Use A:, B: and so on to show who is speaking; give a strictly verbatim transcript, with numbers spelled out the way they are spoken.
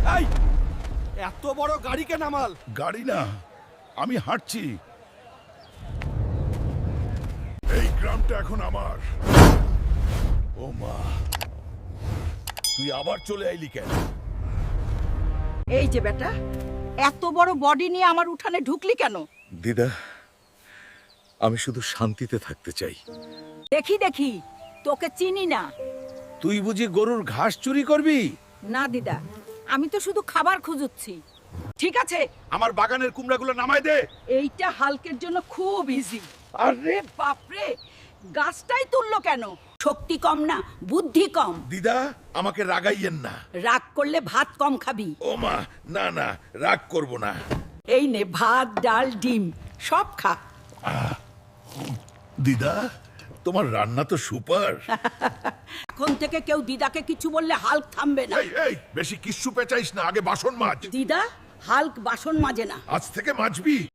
A: এই এত বড় গাড়িকে নামাল।
B: গাড়ি না, আমি হাঁটছি। এই গ্রামটা এখন আমার। ও মা, তুই আবার চলে আইলি কেন?
C: এই যে বেটা, এত বড় বডি নিয়ে আমার উঠানে ঢুকলি কেন?
B: দিদা, আমি শুধু শান্তিতে থাকতে চাই।
C: দেখি দেখি, তোকে চিনি না।
A: তুই বুঝি গরুর ঘাস চুরি করবি?
C: না দিদা, আমি তো শুধু খাবার খুঁজুচ্ছি। ঠিক আছে,
B: আমার বাগানের কুমড়াগুলো নামায় দে।
C: এইটা হালকের জন্য খুব ইজি। আরে বাপরে, গাছটাই তুললো কেন? শক্তি কম না, বুদ্ধি কম।
B: দিদা, আমাকে রাগাইয়েন না।
C: রাগ করলে ভাত কম খাবি।
B: ও মা, না না, রাগ করব না।
C: এই নে ভাত, ডাল, ডিম সব খা।
B: দিদা, তোমার রান্না তো সুপার।
C: এখন থেকে কেউ দিদাকে কিছু বললে হাল্ক থামবে না।
B: এই এই, বেশি কিচ্ছু পেঁচাইস না, আগে বাসন মাজ।
C: দিদা, হাল্ক বাসন মাজে না।
B: আজ থেকে মাজবি।